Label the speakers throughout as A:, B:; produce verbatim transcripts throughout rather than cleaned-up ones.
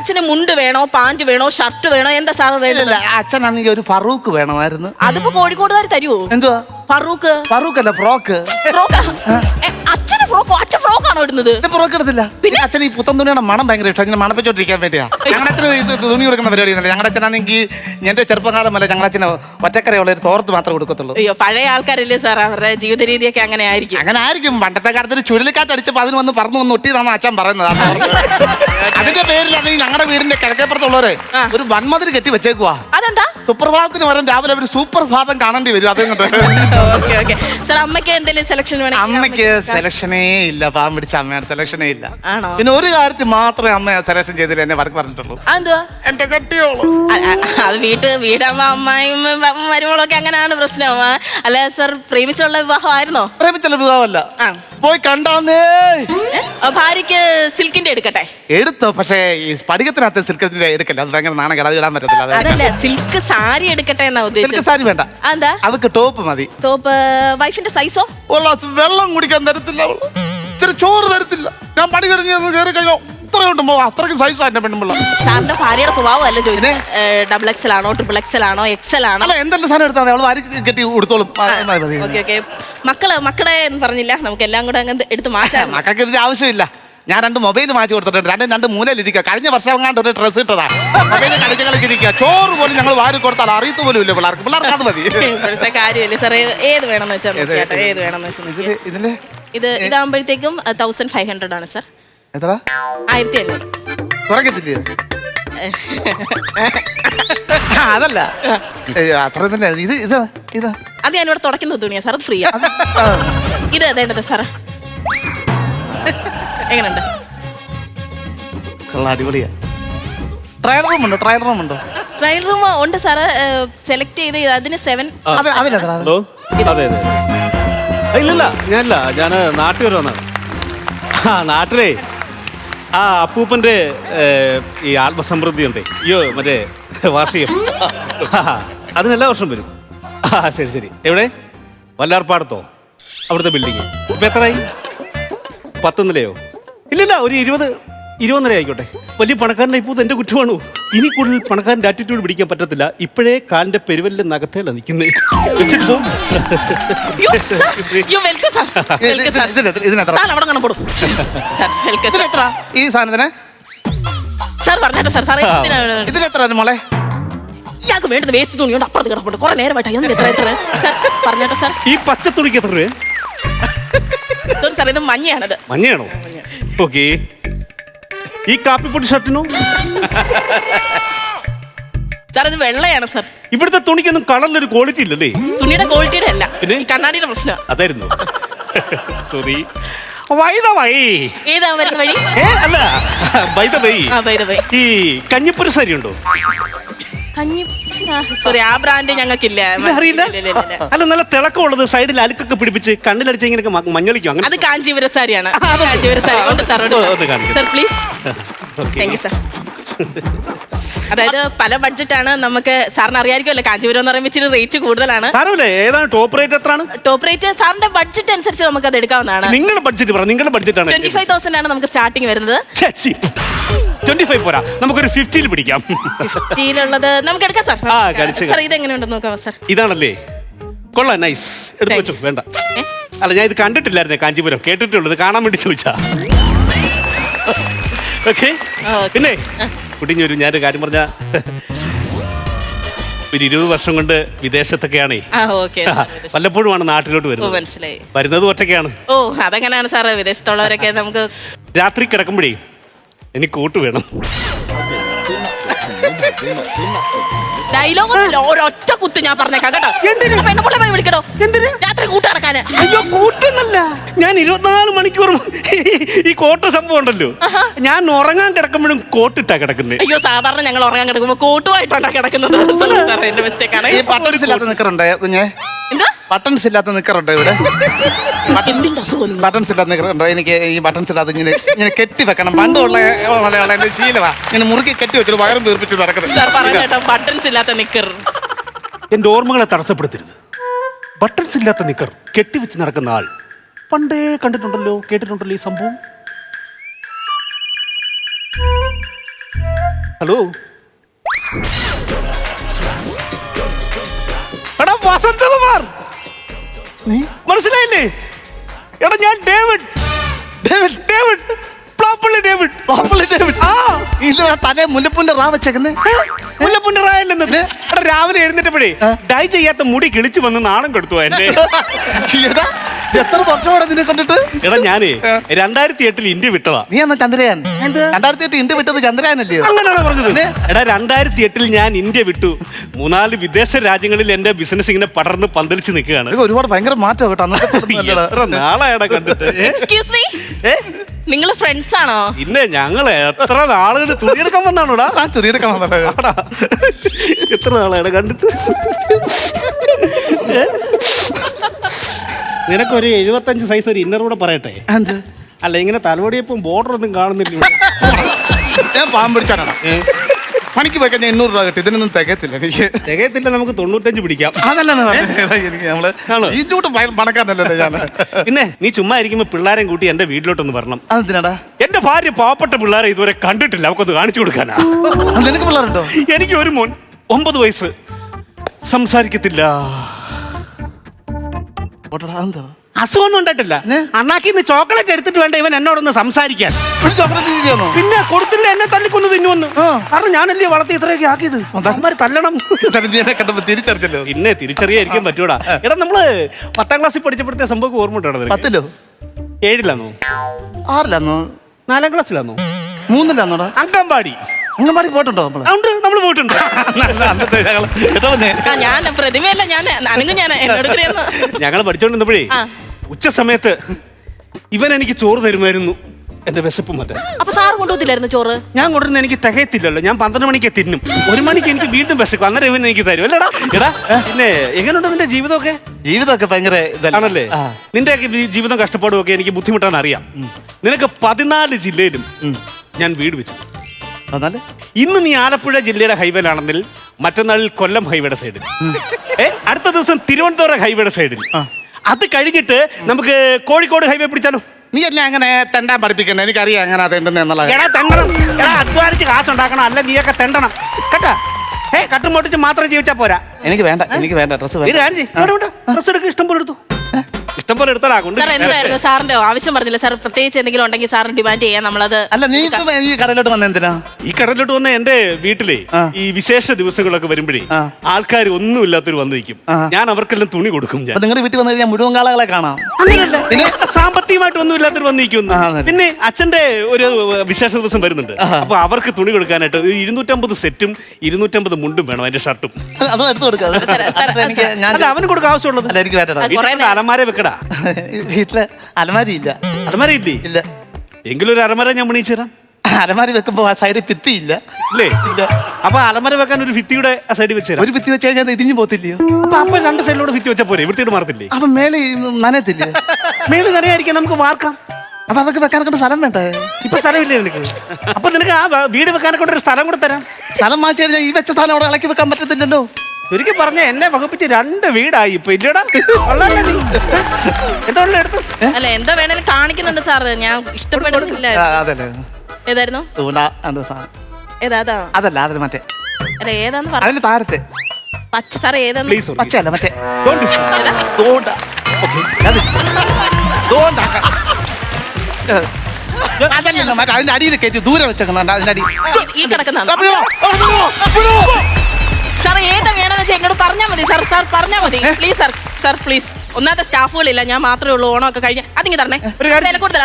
A: അച്ഛന് മുണ്ട് വേണോ പാന്റ് വേണോ ഷർട്ട് വേണോ എന്താ സാറ് വേണ്ടത്?
B: അച്ഛനാണെങ്കിൽ ഒരു ഫറൂഖ് വേണമായിരുന്നു.
A: അതിപ്പോ കോഴിക്കോടുകാർ തരുവോ?
B: എന്തുവാ
A: ഫറൂഖ്?
B: ഫറൂഖ് അല്ല, ഫ്രോക്ക്.
A: അച്ഛന് ഫ്രോക്കോ? അച്ഛൻ ഫ്രോക്കാണോ ഇടുന്നത്?
B: ഫ്രോക്ക് എടുത്തില്ല. പിന്നെ അച്ഛൻ ഈ പുത്തൻ തുണിയുടെ മണം ഭയങ്കര ഇഷ്ടം. ഇങ്ങനെ മണപ്പിച്ചോണ്ടിരിക്കാൻ വേണ്ടിയാ ഞങ്ങളുടെ അച്ഛന് ഇത് തുണി കൊടുക്കുന്ന പരിപാടി. ഞങ്ങളുടെ അച്ഛനാണെങ്കിൽ എന്റെ ചെറുപ്പകാലം അല്ല, ഞങ്ങളുടെ അച്ഛന് ഒറ്റക്കരയുള്ള ഒരു തോർത്ത് മാത്രമേ കൊടുക്കത്തുള്ളൂ.
A: അയ്യോ, പഴയ ആൾക്കാരല്ലേ സാർ, അവരുടെ ജീവിത രീതിയൊക്കെ അങ്ങനെ ആയിരിക്കും.
B: അങ്ങനെ ആയിരിക്കും. പണ്ടത്തെ കാലത്ത് ഒരു ചുഴലിക്കാറ്റ് അടിച്ചപ്പോൾ അതിന് വന്ന് പറന്നു വന്ന് ഒട്ടിയതാണ് അച്ഛൻ പറയുന്നത്. അതിന്റെ പേരിലാണെങ്കിൽ ഞങ്ങളുടെ വീടിന്റെ കിഴക്കേപ്പുറത്തുള്ളവര് ഒരു വൻമതിൽ കെട്ടി വെച്ചേക്കുവാ.
A: അതെന്താ?
B: സുപ്രഭാതത്തിന് വരാൻ രാവിലെ ഒരു സൂപ്പർ ഭാതം കാണേണ്ടി വരും. അതുകൊണ്ട്
A: അമ്മയ്ക്ക് എന്തെങ്കിലും സെലക്ഷൻ വേണം?
B: അമ്മയ്ക്ക് സെലക്ഷനേ ഇല്ല. പാവം പിടിച്ച അമ്മയാണ്, സെലക്ഷനേ ഇല്ല.
A: ആണോ?
B: പിന്നെ ഒരു കാര്യത്തിൽ മാത്രമേ അമ്മ സെലക്ഷൻ ചെയ്തില്ല, എന്നെ വടക്ക് പറഞ്ഞിട്ടുള്ളൂ.
A: അതെന്തുവാ?
B: എന്റെ കെട്ടിയോളൂ.
A: അത് വീട്ട് വീടാകുമ്പോ അമ്മായും മരുമകളൊക്കെ അങ്ങനെയാണ് പ്രശ്നം. അല്ല സാർ, പ്രേമിച്ചുള്ള വിവാഹം ആയിരുന്നോ?
B: പ്രേമിച്ചുള്ള വിവാഹമല്ല, പോയി കണ്ടാന്നേ.
A: ഭാര്യക്ക് സിൽക്കിന്റെ എടുക്കട്ടെ?
B: എടുത്തോ, പക്ഷേ ഈ സ്പടികത്തിനകത്ത് സിൽക്കിന്റെ എടുക്കല്ല, അത് ഭയങ്കര നാണം കേടാ, അത് ഇടാൻ പറ്റത്തില്ല.
A: അതല്ല, സിൽക്ക് സാരി എടുക്കട്ടെ എന്നാ ഉദ്ദേശിച്ചത്.
B: സിൽക്ക് സാരി വേണ്ട.
A: എന്താ?
B: അവക്ക് ടോപ്പ് മതി.
A: ടോപ്പ്? വൈഫിന്റെ സൈസോ?
B: വെള്ളം കുടിക്കാൻ തരത്തില്ല, ഇച്ചിരി ചോറ് തരത്തില്ല. ഞാൻ പണി കഴിഞ്ഞ് കയറി കഴിഞ്ഞോ ഇത്രയുണ്ടോ, അത്രയ്ക്കും സൈസ് എന്റെ പെണ്ണുമ്പിള്ള.
A: സാറിന്റെ ഭാര്യയുടെ സ്വഭാവം അല്ല ചോദിച്ചത്. ഡബിൾ എക്സൽ ആണോ ട്രിപ്പിൾ എക്സൽ ആണോ എക്സൽ ആണോ?
B: അല്ല, എന്തെല്ലാം സാധനം എടുത്താൽ അവൾ വാരി കെട്ടി കൊടുത്തോളും.
A: Okay okay. മക്കള് മക്കളെ എന്ന് പറഞ്ഞില്ല, നമുക്ക് എല്ലാം കൂടെ അങ്ങനെ എടുത്ത് മാറ്റാം.
B: മക്കൾക്ക് ഇതിന്റെ ആവശ്യമില്ല. ഞാൻ രണ്ട് മൊബൈൽ മാറ്റി കൊടുത്തിട്ടുണ്ട്. രണ്ടും രണ്ട് മൂലയിലിരിക്കുക. കഴിഞ്ഞ വർഷം അങ്ങാണ്ട് ഒരു ഡ്രസ്സ് ഇട്ടതാ. മൊബൈൽ കളിച്ച് കളിച്ചിരിക്കുക. ചോറ് പോലും ഞങ്ങൾ വാരി കൊടുത്താൽ അറിയത്ത് പോലും ഇല്ല പിള്ളേർക്ക്. പിള്ളേർക്ക് അത് മതി.
A: ഇപ്പോഴത്തെ കാര്യമല്ലേ സാർ? ഏത് വേണമെന്ന് വെച്ചാൽ ഏത് വേണമെന്ന് വെച്ചാൽ
B: ഇതിന്റെ
A: ഇത് ഇതാകുമ്പോഴത്തേക്കും തൗസൻഡ് ഫൈവ് ഹൺഡ്രഡ് ആണ് സാർ.
B: എത്ര?
A: ആയിരത്തി അഞ്ഞൂറ്.
B: കുറയ്ക്കത്തില്ലേ? അതല്ല, അത്ര തന്നെ. ഇത് ഇത് ഇത്
A: അത് ഞാനിവിടെ തുടയ്ക്കുന്ന തുണിയാ സാർ, അത് ഫ്രീ ആണ്. ഇത് അതേണ്ടത് സാർ, എങ്ങനെയുണ്ട്?
B: അടിപൊളിയാ. ട്രയൽ റൂം ഉണ്ടോ? ട്രയൽ റൂം ഉണ്ടോ?
A: ട്രയൽ റൂം ഉണ്ട് സാറ്. സെലക്ട് ചെയ്ത് അതിന് സെവൻ.
C: ഹലോ, അതെ അതെ. ഇല്ലല്ല, ഞാനില്ല, ഞാൻ നാട്ടിൽ വരെ വന്നാണ്. ആ നാട്ടിലേ ആ അപ്പൂപ്പൻ്റെ ഈ ആത്മസമൃദ്ധി ഉണ്ടേ, അയ്യോ മറ്റേ വാർഷികം, അതിനെല്ലാ വർഷം വരും. ആ ശരി ശരി. എവിടെ? വല്ലാർപ്പാടത്തോ? അവിടുത്തെ ബിൽഡിങ് ഇപ്പം എത്രയായി? പത്ത് നിലയോ? ഇല്ലില്ല, ഒരു ഇരുപത് ഇരുപത് നില ആയിക്കോട്ടെ. വലിയ പണക്കാരനെ ഇപ്പോൾ എന്റെ കുറ്റമാണോ? ഇനി കൂടുതൽ പണക്കാരൻ്റെ ആറ്റിറ്റ്യൂഡ് പിടിക്കാൻ പറ്റത്തില്ല. ഇപ്പോഴേ കാലിന്റെ പെരുവലിന്റെ നഖത്തേല നിൽക്കുന്നത്.
B: ഈ സാധനത്തിന് മോളെ
A: ഇയാൾക്ക് വേണ്ടത് വേസ്റ്റ് തുണിയോണ്ട് അപ്പുറത്ത് കിടപ്പുണ്ട്. കുറെ നേരമായിട്ട് എത്ര എത്ര പറഞ്ഞേട്ടോ സാർ.
C: ഈ പച്ച തുണിക്ക് എത്ര രൂപ?
A: സോറി സാർ, ഇത് മഞ്ഞയാണത്.
C: മഞ്ഞയാണോ? ഓക്കെ. ഈ കാപ്പിപ്പൊടി ഷർട്ടിനോ?
A: സാർ ഇത് വെള്ളയാണ് സാർ.
C: ഇവിടുത്തെ തുണിക്കൊന്നും കളറിലൊരു ക്വാളിറ്റി ഇല്ലല്ലേ?
A: തുണിയുടെ ക്വാളിറ്റിയുടെ അല്ല, പിന്നെ കണ്ണാടിയുടെ പ്രശ്നം.
C: അതായിരുന്നു. സോറി.
A: ഏതാ വരുന്ന വഴി?
C: അല്ല, ബൈ ദ വേ, ഈ കഞ്ഞിപ്പൊരി സാരി ഉണ്ടോ?
A: സോറി, ആ ബ്രാൻഡ് ഞങ്ങൾക്കില്ല.
C: അറിയില്ല. അല്ല, നല്ല തിളക്കമുള്ളത്, സൈഡിൽ അലുക്കൊക്കെ പിടിപ്പിച്ച് കണ്ണിലടിച്ച് ഇങ്ങനെ മഞ്ഞളിക്കും.
A: അത് കാഞ്ചീപുര സാരിയാണ്. Kanchipura sari sir please. Thank you sir. അതായത് പല ബഡ്ജറ്റാണ് നമുക്ക്. സാറിന് അറിയാമായിരിക്കുമല്ലോ, കാഞ്ചീപുരം എന്ന് പറയുമ്പോൾ ഇച്ചിരി റേറ്റ് കൂടുതലാണ്.
C: ഏതാണ് ടോപ്പ് റേറ്റ്? എത്രയാണ്
A: ടോപ്പ് റേറ്റ്? സാറിന്റെ ബഡ്ജറ്റ് അനുസരിച്ച് നമുക്ക് അത് എടുക്കാവുന്നതാണ്.
C: നിങ്ങളുടെ ബഡ്ജറ്റ് പറ. നിങ്ങളുടെ ബഡ്ജറ്റ് ആണ്
A: ട്വന്റി ഫൈവ് തൗസൻഡ് ആണ് നമുക്ക് സ്റ്റാർട്ടിങ് വരുന്നത്.
C: ട്വന്റി ഫൈവ് പോരാ, നമുക്കൊരു ഫിഫ്റ്റിയിൽ പിടിക്കാം.
A: ഫിഫ്റ്റിയിലുള്ളത് നമുക്ക് എടുക്കാം സാർ. സാർ ഇത് എങ്ങനെയുണ്ടെന്ന് നോക്കാം സാർ.
C: ഇതാണല്ലേ? കൊള്ളാം, നൈസ്. എടുത്തു വെച്ചു. വേണ്ട, അല്ല, ഞാൻ ഇത് കണ്ടിട്ടില്ലായിരുന്നേ കാഞ്ചീപുരം, കേട്ടിട്ടുള്ളത്, കാണാൻ വേണ്ടി ചോദിച്ചാ. ഓക്കെ. പിന്നെ കുട്ടിഞ്ഞൊരു ഞാനൊരു കാര്യം പറഞ്ഞ, ഒരു ഇരുപത് വർഷം കൊണ്ട് വിദേശത്തൊക്കെയാണേ. വല്ലപ്പോഴുമാണ് നാട്ടിലോട്ട് വരുന്നത്.
A: മനസ്സിലായി.
C: വരുന്നത് ഒറ്റയ്ക്കാണ്.
A: ഓ, അതെങ്ങനെയാണ് സാറ്? വിദേശത്തുള്ളവരൊക്കെ നമുക്ക്
C: രാത്രി കിടക്കുമ്പോഴേ എനിക്ക് കൂട്ട് വേണം.
A: ഡയലോഗ് ഒരൊറ്റ കുത്ത് ഞാൻ പറഞ്ഞേക്കാം കേട്ടോ. വിളിക്കണോ? എന്തിന്? രാത്രി കൂട്ട് നടക്കാന്.
C: അയ്യോ, കൂട്ടെന്നല്ല, ഞാൻ ഇരുപത്തിനാല് മണിക്കൂറും ഈ കോട്ട് സംഭവം ഉണ്ടല്ലോ. ഞാൻ ഉറങ്ങാൻ കിടക്കുമ്പോഴും കോട്ടിട്ടാ കിടക്കുന്നത്.
A: അയ്യോ, സാധാരണ ഞങ്ങൾ ഉറങ്ങാൻ കിടക്കുമ്പോ കോട്ടുമായിട്ടാണ് കിടക്കുന്നത്. എന്റെ മിസ്റ്റേക്ക് ആണ്.
B: നിക്കറുണ്ടോ കുഞ്ഞെ? ബട്ടൺസ് ഇല്ലാത്ത നിക്കറുണ്ടോ ഇവിടെ? ബട്ടൺസ് ഇല്ലാത്ത നിക്കറുണ്ടോ? എനിക്ക് ഈ ബട്ടൺസ് ഇല്ലാത്ത ഇങ്ങനെ ഇങ്ങനെ കെട്ടി വെക്കണം. പണ്ടുള്ള മലയാളം എന്റെ ശീലമാ. ഇങ്ങനെ മുറുക്കി കെട്ടി വെച്ചിട്ട് വയറും വീർപ്പിച്ച് നടക്കുന്നത്.
A: ബട്ടൺസ് ഇല്ലാത്ത നിക്കർ
C: എന്റെ ഓർമ്മകളെ തടസ്സപ്പെടുത്തരുത്. ബട്ടൺസ് ഇല്ലാത്ത നിക്കർ കെട്ടിവെച്ച് നടക്കുന്ന ആൾ പണ്ടേ കണ്ടിട്ടുണ്ടല്ലോ, കേട്ടിട്ടുണ്ടല്ലോ ഈ സംഭവം. ഹലോ എടാ വസന്തകുമാർ,
B: നീ
C: മനസ്സിലായില്ലേ? എടാ ഞാൻ David
B: David
C: David Plappally David.
B: Pappally David.
C: ആ
B: ഇത് തലേ മുല്ലപ്പൂന്റെ റാ വെച്ചേക്കുന്നേ.
C: മുല്ലപ്പൂന്റെ റായല്ലെന്നത്. എടാ രാവിലെ എഴുന്നേറ്റപ്പോഴേ ഡൈ ചെയ്യാത്ത മുടി കിളിച്ചു വന്ന് നാണം കെടുത്തു എന്റെ.
B: എടാ, എത്ര വർഷമാണ് നിന്നെ കണ്ടിട്ട്?
C: എടാ ഞാനേ രണ്ടായിരത്തി എട്ടിൽ ഇന്ത്യ വിട്ടതാ.
B: നീ എന്നാ ചന്ദ്രയാൻ? രണ്ടായിരത്തി എട്ട് ഇന്ത്യ വിട്ടത് ചന്ദ്രയാനല്ലയോ?
C: അങ്ങനെയാണോ പറഞ്ഞത്? എടാ രണ്ടായിരത്തി എട്ടിൽ ഞാൻ ഇന്ത്യ വിട്ടു. മൂന്നാല് വിദേശ രാജ്യങ്ങളിൽ എന്റെ ബിസിനസ് ഇങ്ങനെ പടർന്ന് പന്തലിച്ച് നിൽക്കുകയാണ്.
B: ഇത് ഒരുപാട് ഭയങ്കര മാറ്റം കേട്ടോ. അന്നത്തെ
C: എത്ര നാളായടാ കണ്ടിട്ട്.
A: എക്സ്ക്യൂസ് മീ,
C: ഏ
A: നിങ്ങൾ ഫ്രണ്ട്സ് ആണോ?
C: പിന്നെ ഞങ്ങൾ എത്ര നാളുകൾ തുണിയെടുക്കാൻ വന്നാണോടാ?
B: ആ ചെറിയെടുക്കാൻ വന്നതാ.
C: എത്ര നാളായടാ കണ്ടിട്ട്. നിനക്കൊരു എഴുപത്തഞ്ച് സൈസ് ഒരു ഇന്നർ കൂടെ പറയട്ടെ.
B: എന്ത്?
C: അല്ല ഇങ്ങനെ തലവടിയപ്പം ബോർഡർ ഒന്നും കാണുന്നില്ല.
B: ഞാൻ പാമ്പ് പിടിച്ചാണ് പണിക്ക് പോയി കഴിഞ്ഞാൽ എണ്ണൂറ് രൂപ കിട്ടി. ഇതിനൊന്നും തികയത്തില്ല എനിക്ക്.
C: തികയത്തില്ല, നമുക്ക് തൊണ്ണൂറ്റഞ്ച് പിടിക്കാം.
B: അതല്ലെന്ന് പറഞ്ഞത് എനിക്ക്. നമ്മള്
C: ആണോ?
B: ഇതിനോട്ട് പണക്കാരനല്ലേ ഞാൻ.
C: പിന്നെ നീ ചുമ്മാ ഇരിക്കുമ്പോ പിള്ളേരെയും കൂട്ടി എന്റെ വീട്ടിലോട്ടൊന്ന് വരണം.
B: അതെന്തിനാടാ?
C: എന്റെ ഭാര്യ പാവപ്പെട്ട പിള്ളേരെ ഇതുവരെ കണ്ടിട്ടില്ല, അവക്കൊന്ന് കാണിച്ചു കൊടുക്കാനാ.
B: നിനക്ക് പിള്ളേരുണ്ടോ?
C: എനിക്ക് ഒരു മോൻ ഒമ്പത് വയസ്സ്, സംസാരിക്കത്തില്ല.
B: ഓട്ടോടാ, അതെന്താ?
C: അസുഖമൊന്നും ഉണ്ടായിട്ടില്ല. അണ്ണാക്കിന്ന് ചോക്ലേറ്റ് എടുത്തിട്ട് വേണ്ട ഇവൻ എന്നോടൊന്ന് സംസാരിക്കാൻ.
B: ഒരു ചോക്ലേറ്റ് ഇരിക്കുകയാണോ?
C: പിന്നെ കൊടുത്തില്ല, എന്നെ തല്ലിക്കൊന്ന് തിന്നുവന്ന്. കാരണം ഞാനല്ലേ വളർത്തി ഇത്രയൊക്കെ ആക്കിയത്. അവന്മാര് തല്ലണം.
B: കണ്ടപ്പോ തിരിച്ചറിഞ്ഞല്ലോ.
C: പിന്നെ തിരിച്ചറിയായിരിക്കാൻ പറ്റൂടാ. എടാ നമ്മള് പത്താം ക്ലാസ്സിൽ പഠിച്ചപ്പോഴത്തെ സംഭവം ഓർമ്മ ഉണ്ടായിരുന്നു.
B: പത്തിലോ?
C: ഏഴിലാന്നോ?
B: ആറിലാന്നോ?
C: നാലാം ക്ലാസ്സിലാന്നോ?
B: മൂന്നിലാന്നോടാ?
C: അങ്കമ്പാടി.
B: അങ്കമാടി പോയിട്ടുണ്ടോ നമ്മള്?
C: ഉണ്ട്, നമ്മള് പോയിട്ടുണ്ട്.
A: ആ, ഞാൻ പ്രതിമയല്ല, ഞാൻ അനങ്ങും. ഞാൻ എന്നോട് കൂടെയൊന്ന്
C: ഞങ്ങള് പഠിച്ചോണ്ടിരുന്നപ്പോഴേ
A: ആ.
C: ഉച്ച സമയത്ത് ഇവൻ എനിക്ക് ചോറ് തരുമായിരുന്നു. എന്റെ വിശപ്പ് മറ്റേ.
A: അപ്പൊ സാറ് കൊണ്ടുപോകത്തില്ലായിരുന്നു ചോറ്?
C: ഞാൻ കൊണ്ടുവരുന്ന എനിക്ക് തികയത്തില്ലല്ലോ. ഞാൻ പന്ത്രണ്ട് മണിക്ക് തിന്നും, ഒരു മണിക്ക് എനിക്ക് വീണ്ടും വിശക്കും. അന്നേരം ഇവൻ എനിക്ക് തരും അല്ലേടാ. എടാ പിന്നെ എങ്ങനെയുണ്ട് നിന്റെ ജീവിതമൊക്കെ?
B: ജീവിതമൊക്കെ ഭയങ്കര
C: ആണല്ലേ. നിന്റെ ഒക്കെ ജീവിതം കഷ്ടപ്പാടും ഒക്കെ എനിക്ക് ബുദ്ധിമുട്ടാന്ന് അറിയാം. നിനക്ക് പതിനാല് ജില്ലയിലും ഞാൻ വീട് വെച്ചു. ഇന്ന് നീ ആലപ്പുഴ ജില്ലയുടെ ഹൈവേയിലാണെങ്കിൽ മറ്റന്നാളിൽ കൊല്ലം ഹൈവേയുടെ സൈഡിൽ, ഏ അടുത്ത ദിവസം തിരുവനന്തപുരം ഹൈവേയുടെ സൈഡിൽ, അത് കഴിഞ്ഞിട്ട് നമുക്ക് കോഴിക്കോട് ഹൈവേ പിടിച്ചാലോ?
B: നീ എന്നെ അങ്ങനെ തെണ്ടാൻ പഠിപ്പിക്കണ്ട. എനിക്കറിയാം അങ്ങനെ അതെന്നുള്ള.
C: എടാ തെണ്ടണം, എടാ അധ്വാനിച്ച് കാശുണ്ടാക്കണം, അല്ല നീയൊക്കെ തെണ്ടണം കേട്ടാ. ഏ കട്ടും പൊട്ടിച്ച് മാത്രം ജീവിച്ചാ പോരാ.
B: എനിക്ക് വേണ്ട, എനിക്ക് വേണ്ട ഡ്രസ്.
C: ഡ്രസ് എടുക്കുക, ഇഷ്ടം പോലെ എടുത്തു, ഇഷ്ടം പോലെ എടുത്താലാ കൊണ്ട്.
A: സാർ എന്തായിരുന്നു സാറിന്റെ ആവശ്യം? പറഞ്ഞില്ല സാർ, പ്രത്യേകിച്ച് എന്തെങ്കിലും ഉണ്ടെങ്കിൽ സാറിന് ഡിമാൻഡ് ചെയ്യാം. നമ്മളത്
B: അല്ല, നീ ഇപ്പം ഈ കടയിലോട്ട് വന്ന എന്തിനാ?
C: ഈ കടലിലോട്ട് വന്ന എന്റെ വീട്ടിലെ ഈ വിശേഷ ദിവസങ്ങളൊക്കെ വരുമ്പോഴേ ആൾക്കാർ ഒന്നുമില്ലാത്തൊരു വന്ന് നിൽക്കും. ഞാൻ അവർക്കെല്ലാം തുണി കൊടുക്കും. ഞാൻ
B: നിങ്ങളുടെ വീട്ടിൽ വന്നു കഴിഞ്ഞാൽ മുഴുവൻ കാളകളെ കാണാം.
C: പിന്നെ സാമ്പത്തികമായിട്ട് ഒന്നും ഇല്ലാത്തൊരു വന്ന് നിൽക്കുന്നു. പിന്നെ അച്ഛന്റെ ഒരു വിശേഷ ദിവസം വരുന്നുണ്ട്. അപ്പൊ അവർക്ക് തുണി കൊടുക്കാനായിട്ട് ഒരു ഇരുന്നൂറ്റമ്പത് സെറ്റും ഇരുന്നൂറ്റമ്പത് മുണ്ടും വേണം, അതിന്റെ ഷർട്ടും.
B: അതും എടുത്തു കൊടുക്കാം.
C: അവന് കൊടുക്കാൻ ആവശ്യമുള്ളത്.
B: എനിക്ക് വേണ്ട.
C: അലമാര വെക്കടാ.
B: വീട്ടില് അലമാരി ഇല്ല.
C: അലമാര ഇല്ലേ?
B: ഇല്ല.
C: എങ്കിലും ഒരു അലമാര ഞാൻ പണിയിച്ചു തരാം.
B: അലമാരി വെക്കുമ്പോ ആ സൈഡിൽ ഭിത്തി ഇല്ല.
C: ഇല്ലേ? ഇല്ല. അപ്പൊ അലമാര വെക്കാൻ ഒരു ഭിത്തിയുടെ സൈഡിൽ വെച്ച് തരാം.
B: ഒരു ഭിത്തി വെച്ച് കഴിഞ്ഞാൽ ഇടിഞ്ഞു പോത്തില്ലയോ?
C: അപ്പൊ അപ്പൊ രണ്ട് സൈഡിലൂടെ ഭിത്തി വെച്ചാൽ പോരെ, വൃത്തിയോട് മാറത്തില്ലേ?
B: അപ്പൊ മേലെ നനയത്തില്ലേ?
C: മേള് നനയായിരിക്കാൻ നമുക്ക് വാർക്കാം.
B: അപ്പൊ അതൊക്കെ വെക്കാനൊക്കെ സ്ഥലം വേണ്ടേ?
C: ഇപ്പൊ സ്ഥലമില്ലേ നിനക്ക്? അപ്പൊ നിനക്ക് ആ വീട് വെക്കാനൊക്കെ ഒരു സ്ഥലം കൂടെ തരാം.
B: സ്ഥലം മാറ്റി കഴിഞ്ഞാൽ ഈ വെച്ച സ്ഥലം അവിടെ ഇളക്കി വെക്കാൻ പറ്റത്തില്ലല്ലോ.
C: ഒരിക്കൽ പറഞ്ഞ എന്നെ വകുപ്പിച്ച് രണ്ട് വീടായി ഇപ്പൊ. ഇല്ലടാ എന്താ എടുത്തു?
A: അല്ല, എന്താ വേണേലും കാണിക്കുന്നുണ്ട് സാറ്. ഞാൻ ഇഷ്ടപ്പെടുന്നില്ല.
B: അതല്ലേ
A: ഏതായിരുന്നു? ഏതാ? അതാ
B: അതല്ല, അതിൽ മറ്റേ
A: അല്ല, ഏതാന്ന് പറഞ്ഞു.
B: അതിന് താരത്തെ
A: പച്ച സാറ് ഏതാന്ന്?
C: പ്ലീസ്
B: പച്ചയല്ല, മറ്റേ അതിന്റെ അടിയിൽ കയറ്റി ദൂരെ വെച്ചേക്കുന്നുണ്ട്. അതിന്റെ അടി
A: ഈ കിടക്കുന്ന സാർ ഏതാ വേണമെന്ന് വെച്ചാൽ എന്നോട് പറഞ്ഞാൽ മതി സാർ. സാർ പറഞ്ഞാൽ മതി പ്ലീസ് സാർ. Sir please. ഒന്നാമത്തെ സ്റ്റാഫുകളില്ല, ഞാൻ മാത്രമേ ഉള്ളൂ. ഓണം ഒക്കെ കഴിഞ്ഞ് അതിങ്ങ് തരണേ. വില കൂടുതൽ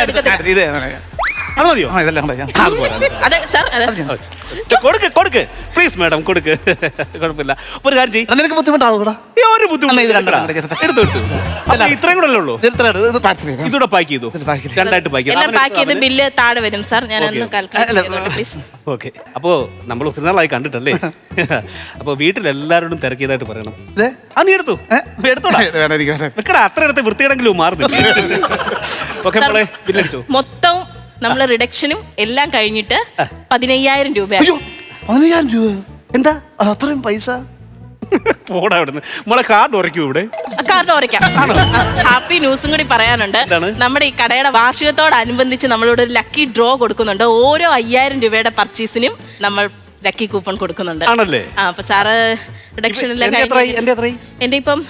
C: അത് മതിയോ?
A: അതെ സാർ.
C: കൊടുക്ക് കൊടുക്ക് പ്ലീസ് മാഡം, കൊടുക്ക്. കുഴപ്പമില്ല. ഒരു കാര്യം ചെയ്യ്.
B: നിനക്ക് ബുദ്ധിമുട്ടാവും.
C: ഒരു ബുദ്ധിമുട്ട് ഇത്രയും കൂടെ ഉള്ളൂ. ഇതൂടെ പാക്ക് ചെയ്തു, രണ്ടായിട്ട് പാക്ക്
A: എല്ലാം പാക്ക് ചെയ്ത് ബില്ല് താഴെ വരും സാർ. ഞാൻ ഒന്ന് കാൽക്കുലേറ്റ് പ്ലീസ്.
C: ഓക്കെ. അപ്പോ നമ്മൾ ഒത്തിരിനാളായി കണ്ടിട്ടല്ലേ? അപ്പൊ വീട്ടിലെല്ലാരോടും തിരക്കിയതായിട്ട് പറയണം. ആ നീ എടുത്തു എടുത്തോടാ. വെക്കടാ, അത്ര എടുത്ത് വൃത്തിയിടെങ്കിലും മാറുന്നില്ല. ഓക്കെ മോളെ, ബില്ലടിച്ചോ?
A: മൊത്തം നമ്മള് റിഡക്ഷനും എല്ലാം കഴിഞ്ഞിട്ട് പതിനയ്യായിരം രൂപ.
B: പതിനയ്യായിരം രൂപ?
C: എന്താ
B: അത്രയും പൈസ?
C: പോടാ അവിടുന്ന്. മോളെ കാർഡ് ഉറയ്ക്കൂ ഇവിടെ.
A: കാറിന് ഓരയ്ക്കാം. ഹാപ്പി ന്യൂസും കൂടി പറയാനുണ്ട്.
C: എന്താണ്?
A: നമ്മുടെ ഈ കടയുടെ വാർഷികത്തോടനുബന്ധിച്ച് നമ്മളിവിടെ ഒരു ലക്കി ഡ്രോ കൊടുക്കുന്നുണ്ട്. ഓരോ അയ്യായിരം രൂപയുടെ പർച്ചേസിനും നമ്മൾ ലക്കി കൂപ്പൺ കൊടുക്കുന്നുണ്ട്.
C: ആണല്ലേ?
A: ആ അപ്പൊ സാറ് റിഡക്ഷനിലെ
C: എന്റെ എത്രയായി? എന്റെ എത്രയായി?
A: എന്റെ ഇപ്പം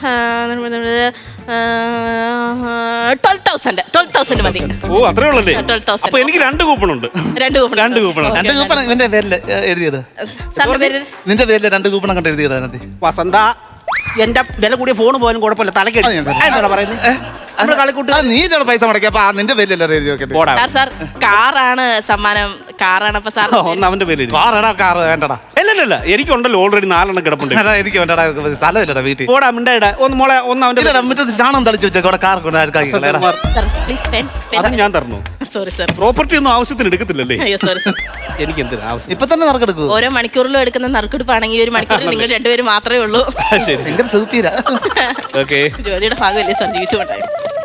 A: ട്വൽവ് തൗസൻഡ് ട്വൽവ് തൗസൻഡ് മതി.
C: ഓ അത്രേ ഉള്ളല്ലേ?
A: Twelve thousand.
C: അപ്പൊ എനിക്ക് രണ്ട് കൂപ്പൺ ഉണ്ട്.
A: രണ്ട് കൂപ്പൺ
C: രണ്ട് കൂപ്പൺ ഉണ്ട്.
B: രണ്ട് കൂപ്പൺ ഇവന്റെ പേരില് എഴുതിയിട്.
A: സാറിന്റെ പേര്
B: നിന്റെ പേരില് രണ്ട് കൂപ്പണം കണ്ട് എഴുതിയിടാ.
C: വസന്ത എന്റെ വില കൂടിയ ഫോൺ പോലും കുഴപ്പമില്ല. തലക്ക്
B: അത് ഞാൻ തരാം.
C: എന്താ പറയുന്നത്? നമ്മുടെ കളിക്കൂട്ട്
B: നീ ഇതോടെ പൈസ മുടക്കി അപ്പൊ ആ നിന്റെ പേരിലല്ലേ എഴുതി നോക്കട്ടെ.
C: പോടാ.
A: സാർ സാർ കാറാണ് സമ്മാനം. കാറാണ് അപ്പൊ സാർ
C: ഒന്ന് അവന്റെ പേര് എഴുതി.
B: കാറടാ കാറ് വേണ്ടടാ.
C: ഇല്ല ഇല്ല എനിക്കുണ്ടല്ലോ ഓൾറെഡി നാലെണ്ണം കിടപ്പുണ്ട്.
B: അതാ എനിക്ക് വേണ്ടടാ, സ്ഥലമില്ലടാ വീട്ടിൽ.
C: പോടാ മിണ്ടായിടാ. ഒന്ന് മോളെ ഒന്ന് അവന്റെ
B: ഇല്ലടാ മുറ്റത്ത് ചാണം തളിച്ചു വെച്ചേക്കോടെ കാർ കൊണ്ട് ആർക്കാക്കിക്കളേടാ.
A: സാർ പ്ലീസ് പെൻ
C: അത് ഞാൻ തരണോ?
A: Sorry sir.
C: പ്രോപ്പർട്ടി ഒന്നും ആവശ്യത്തിന് എടുക്കത്തില്ലല്ലേ?
A: അയ്യോ സോറി സാർ.
C: എനിക്ക് എന്തിനാ ആവശ്യം?
B: ഇപ്പൊ തന്നെ നറുക്കെടുക്കൂ.
A: ഓരോ മണിക്കൂറിലും എടുക്കുന്ന നറുക്കെടുപ്പാണെങ്കിൽ ഒരു മണിക്കൂറിൽ നിങ്ങൾ രണ്ടുപേരും മാത്രമേ ഉള്ളൂ.
C: ശരി
B: ഭയങ്കര സൂപ്പീരാ.
C: ഓക്കെ.
A: ജോലിയുടെ ഭാഗമല്ലേ സാർ ജീവിച്ചുകൊണ്ടായി.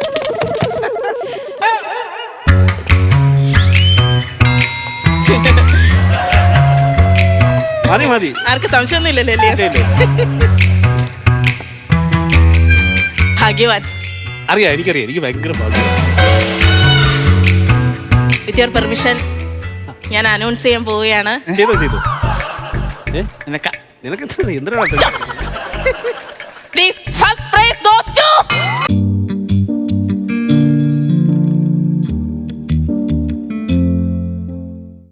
C: മതി മതി.
A: ആർക്ക് സംശയമൊന്നും ഇല്ലല്ലോ അല്ലേ?
C: ഇല്ല, ഇല്ല.
A: ഭാഗ്യവാൻ.
C: അറിയാം എനിക്കറിയാം. എനിക്ക് ഭയങ്കര ഭാഗ്യം.
A: വിത്ത് യുവർ പെർമിഷൻ ഞാൻ അനൗൺസ് ചെയ്യാൻ പോവുകയാണ്.
C: ചെയ്തോ ചെയ്തോ. ഏ
B: നിനക്ക
C: നിനക്ക് എന്തിനാ എന്തിനാ